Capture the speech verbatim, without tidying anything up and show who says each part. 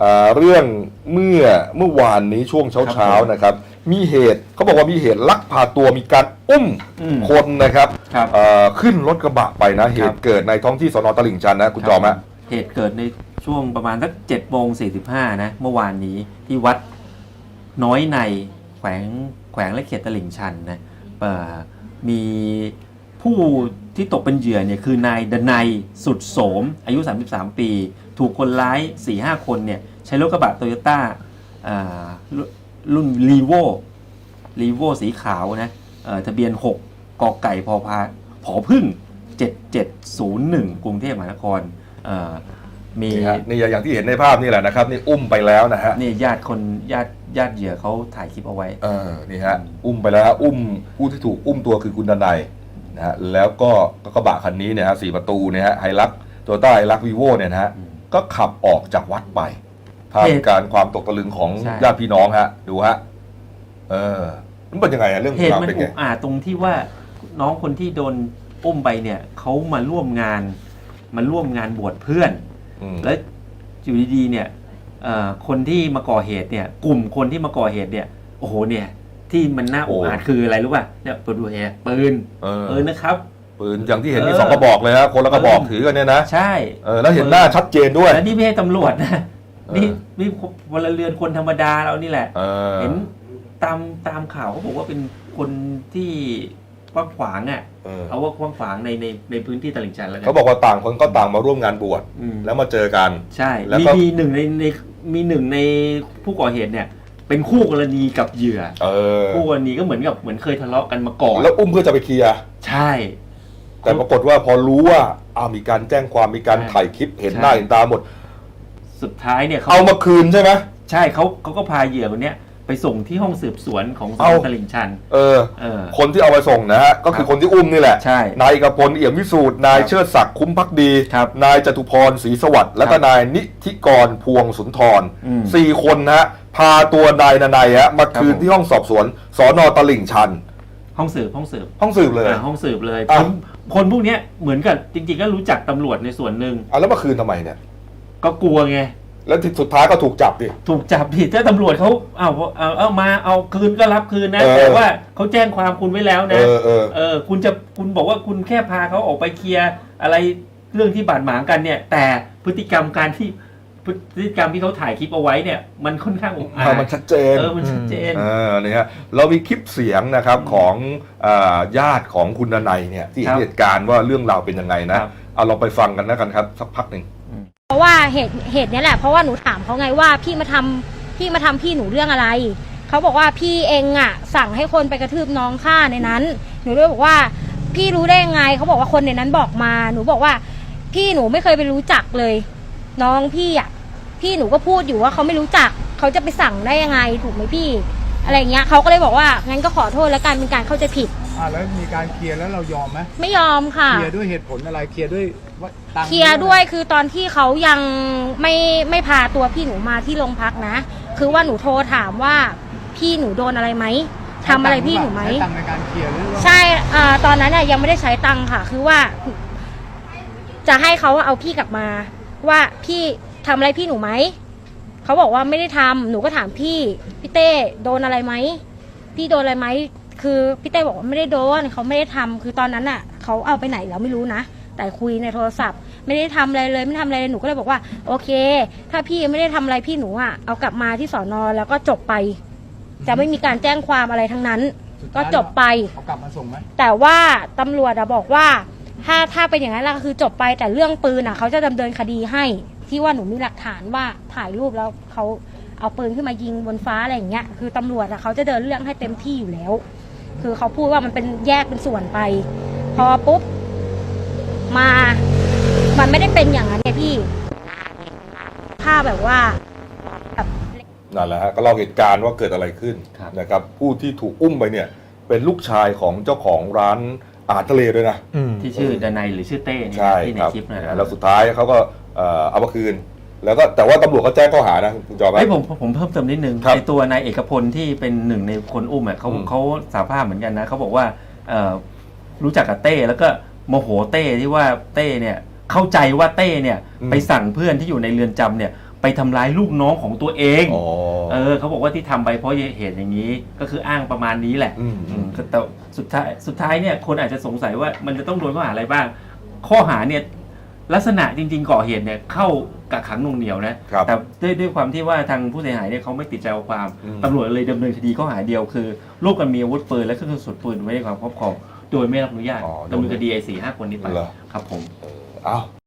Speaker 1: เรื่องเมื่อเมื่อวานนี้ช่วงเช้าๆนะครับมีเหตุเขาบอกว่ามีเหตุลักพาตัวมีการอุ้มคนนะครับขึ้นรถกระบะไปนะเหตุเกิดในท้องที่สน.ตลิ่งชันนะคุณจอมฮะ
Speaker 2: เหตุเกิดในช่วงประมาณสักเจ็ดโมงสี่สิบห้านะเมื่อวานนี้ที่วัดน้อยในแขวงแขวงและเขตตลิ่งชันนะมีผู้ที่ตกเป็นเหยื่อเนี่ยคือนายดนัยสุดโสมอายุสามสิบสามปีถูกคนร้าย สี่ห้า คนเนี่ยใช้รถกระบะโตโยต้ารุ่นรีโวรีโวสีขาวนะทะเบียนหกกไก่พอพาผอพึ่งเจ็ดเจ็ดศูนย์หนึ่งกรุงเทพมหานครมี
Speaker 1: นี่อย่างที่เห็นในภาพนี่แหละนะครับนี่อุ้มไปแล้วนะฮะ
Speaker 2: นี่ญาติคนญาติญาติเหยื่อเขาถ่ายคลิปเอาไว้
Speaker 1: เออนี่ฮะอุ้มไปแล้วอุ้มผู้ที่ถูกอุ้มตัวคือคุณดนัยนะฮะแล้วก็กระบะคันนี้เนี่ยฮะสี่ประตูเนี่ยฮะไฮลักโตโยต้าไฮลักวีโวเนี่ยนะฮะก็ขับออกจากวัดไปท่ามกลางความตกตะลึงของญาติพี่น้องฮะดูฮะเออมันเป็นยังไงอะเรื่อง
Speaker 2: เหตุมันอุกอาจตรงที่ว่าน้องคนที่โดนอุ้มไปเนี่ยเขามาร่วมงานมาร่วมงานบวชเพื่อนแล้วอยู่ดีๆเนี่ยคนที่มาก่อเหตุเนี่ยกลุ่มคนที่มาก่อเหตุเนี่ยโอ้โหเนี่ยที่มันน่าอุกอาจคืออะไรรู้ป่ะเนี่ยปืนดูเฮปืนปืนนะครับ
Speaker 1: ปืนอย่างที่เห็นมีสองกระบอกเลยฮะคนละกระบอกถือกันเนี่ยนะ
Speaker 2: ใช่
Speaker 1: เออแล้วเห็นหน้าชัดเจนด้วย
Speaker 2: แล้วนี่ไม่ใช่ตำรวจนะนี่นี่พลเรือนคนธรรมดาเรานี่แหละเห็นตามตามข่าวเขาบอกว่าเป็นคนที่กว้างขวางอ่ะเอาว่ากว้างขวางในในในพื้นที่ตลิ่งชันแล้วกัน
Speaker 1: เขาบอกว่าต่างคนก็ต่างมาร่วมงานบวชแล้วมาเจอกัน
Speaker 2: ใช่มีมีหนึ่งในในมีหนึ่งในผู้ก่อเหตุเนี่ยเป็นคู่กรณีกับเหยื่อคู่กรณีก็เหมือนกับเหมือนเคยทะเลาะกันมาก่อน
Speaker 1: แล้วอุ้มเพื่อจะไปเคลียร์
Speaker 2: ใช่
Speaker 1: แต่ปรากฏว่าพอรู้ว่าอ้าวมีการแจ้งความมีการถ่ายคลิปเห็นหน้าเห็นตาหมด
Speaker 2: สุดท้ายเนี่ย
Speaker 1: เอามาคืนใช่ไหม
Speaker 2: ใช่เขาเขาก็พาเหยื่อคนเนี้ยไปส่งที่ห้องสืบสวนของสน.ตลิ่งชัน
Speaker 1: เออคนที่เอาไปส่งนะฮะก็คือคนที่อุ้มนี่แหละ
Speaker 2: ใช่
Speaker 1: นายเอกพลเอี่ยมวิสูตรนายเชิดศักดิ์คุ้มภักดีนายจตุพรศรีสวัสดิ์และก็นายนิธิกรพวงสุนทรสี่คนนะฮะพาตัวนายนนัยฮะมาคืนที่ห้องสอบสวนสน.ตลิ่งชัน
Speaker 2: ห้องสืบห้องสืบ
Speaker 1: ห้องสืบเลย
Speaker 2: ห้องสืบเลยคนพวกนี้เหมือนกับจริงๆก็รู้จักตำรวจในส่วนหนึ่ง
Speaker 1: อ่ะแล้วมาคืนทำไมเนี่ย
Speaker 2: ก็กลัวไง
Speaker 1: แล้วสุดท้ายก็ถูกจับดิ
Speaker 2: ถูกจับดิถ้าตำรวจเขาเอาเอาเอามาเอาคืนก็รับคืนนะแต่ว่าเขาแจ้งความคุณไว้แล้วนะ
Speaker 1: เออเออ
Speaker 2: เออคุณจะคุณบอกว่าคุณแค่พาเขาออกไปเคลียร์อะไรเรื่องที่บาดหมางกันเนี่ยแต่พฤติกรรมการที่พฤติกรรมที่เขาถ่ายคลิปเอาไว้เนี่ยมันค่อนข้างอุกอาจ
Speaker 1: มันชัดเจน
Speaker 2: เออมันชัดเจน
Speaker 1: เออเนี่ยฮะเรามีคลิปเสียงนะครับของญาติของคุณดนัยเนี่ยที่เห็นเหตุการณ์ว่าเรื่องราวเป็นยังไงนะเอาเราไปฟังกันแล้วกันครับสักพักหนึ่ง
Speaker 3: เพราะว่าเหตุเหตุนี้แหละเพราะว่าหนูถามเขาไงว่าพี่มาทำพี่มาทำพี่หนูเรื่องอะไรเขาบอกว่าพี่เองอ่ะสั่งให้คนไปกระทืบน้องข้าในนั้นหนูเลยบอกว่าพี่รู้ได้ยังไงเขาบอกว่าคนในนั้นบอกมาหนูบอกว่าพี่หนูไม่เคยไปรู้จักเลยน้องพี่อ่ะพี่หนูก็พูดอยู่ว่าเขาไม่รู้จักเขาจะไปสั่งได้ยังไงถูกไหมพี่อะไรเงี้ยเขาก็เลยบอกว่างั้นก็ขอโทษแล้วกันเป็นการเข้าใจผิด
Speaker 4: อ่าแล้วมีการเคลียร์แล้วเรายอมไหม
Speaker 3: ไม่ยอมค่ะ
Speaker 4: เคลียร์ด้วยเหตุผลอะไรเคลียร์ด้วยว่า
Speaker 3: เคลียร์ด้วยคือตอนที่เขายังไม่ไม่พาตัวพี่หนูมาที่โรงพักนะคือว่าหนูโทรถามว่าพี่หนูโดนอะไรไหมทำอะไรพี่หนูไหม
Speaker 4: ใช้ตังค์ในการเคลียร์หรือว่า
Speaker 3: ใช่อ่าตอนนั้นน่ะยังไม่ได้ใช้ตังค์ค่ะคือว่าจะให้เขาเอาพี่กลับมาว่าพี่ทำอะไรพี่หนูไหมเขาบอกว่าไม่ได้ทำหนูก็ถามพี่พี่เต้โดนอะไรไหมพี่โดนอะไรไหมคือพี่เต้บอกว่าไม่ได้โดนเขาไม่ได้ทำคือตอนนั้นอ่ะเขาเอาไปไหนเราไม่รู้นะแต่คุยในโทรศัพท์ไม่ได้ทำอะไรเลยไม่ทำอะไรเลยหนูก็เลยบอกว่าโอเคถ้าพี่ไม่ได้ทำอะไรพี่หนูอ่ะเอากลับมาที่สอนอแล้วก็จบไปจะไม่มีการแจ้งความอะไรทั้งนั้นก็จบไป
Speaker 4: เอากลับมาส่งไหม
Speaker 3: แต่ว่าตำรวจอะบอกว่าถ้าถ้าเป็นอย่างนั้นก็คือจบไปแต่เรื่องปืนอ่ะเขาจะดำเนินคดีให้ที่ว่าหนูมีหลักฐานว่าถ่ายรูปแล้วเขาเอาปืนขึ้นมายิงบนฟ้าอะไรอย่างเงี้ยคือตำรวจอะเขาจะเดินเรื่องให้เต็มที่อยู่แล้วคือเขาพูดว่ามันเป็นแยกเป็นส่วนไปพอปุ๊บมามันไม่ได้เป็นอย่างนั้นไงพี่ถ้าแบบว่าแบบ
Speaker 1: นั่นแหละฮะก็เล่าเหตุการณ์ว่าเกิดอะไรขึ้นนะครับผู้ที่ถูกอุ้มไปเนี่ยเป็นลูกชายของเจ้าของร้านอาหารทะเลด้วยนะ
Speaker 2: ที่ชื่อดนัยหรือชื่อเต้
Speaker 1: เนี่ย
Speaker 2: ที่ในคลิปนะ
Speaker 1: แล้วสุดท้ายเขาก็เอามาคืนแล้วก็แต่ว่าตำรวจก็แจ้งข้อหานะคุณจอม
Speaker 2: ไอ้ผมผมเพิ่มเติมนิดนึงในตัวนายเอกพลที่เป็นหนึ่งในคนอุ้มอ่ะเขาเขาสารภาพเหมือนกันนะเขาบอกว่ารู้จักกับเต้แล้วก็โมโหเต้ที่ว่าเต้เนี่ยเข้าใจว่าเต้เนี่ยไปสั่งเพื่อนที่อยู่ในเรือนจำเนี่ยไปทำร้ายลูกน้องของตัวเอง
Speaker 1: อ๋อ
Speaker 2: เออเขาบอกว่าที่ทำไปเพราะเหตุอย่างนี้ก็คืออ้างประมาณนี้แหละ
Speaker 1: อืม
Speaker 2: อืมแต่สุดท้ายสุดท้ายเนี่ยคนอาจจะสงสัยว่ามันจะต้องโดนข้อหาอะไรบ้าง ข้อหาเนี่ยลักษณะจริงๆก่อเหตุเนี่ยเข้ากักขังหน่วงเหนียวนะครับ แต่ด้วยด้วยความที่ว่าทางผู้เสียหายเนี่ยเขาไม่ติดใจเอาความ
Speaker 1: อืม
Speaker 2: ตำรวจเลยดำเนินคดีข้อหาเดียวคือร่วมกันมีอาวุธปืนและเครื่องกระสุนปืนไว้ในความครอบครองโดยไม่รับอนุญาต
Speaker 1: อ๋อ
Speaker 2: ดำเนินคดีไอ้สี่ห้าคนนี้ไป
Speaker 1: เหรอ
Speaker 2: ครับผม
Speaker 1: เออเอา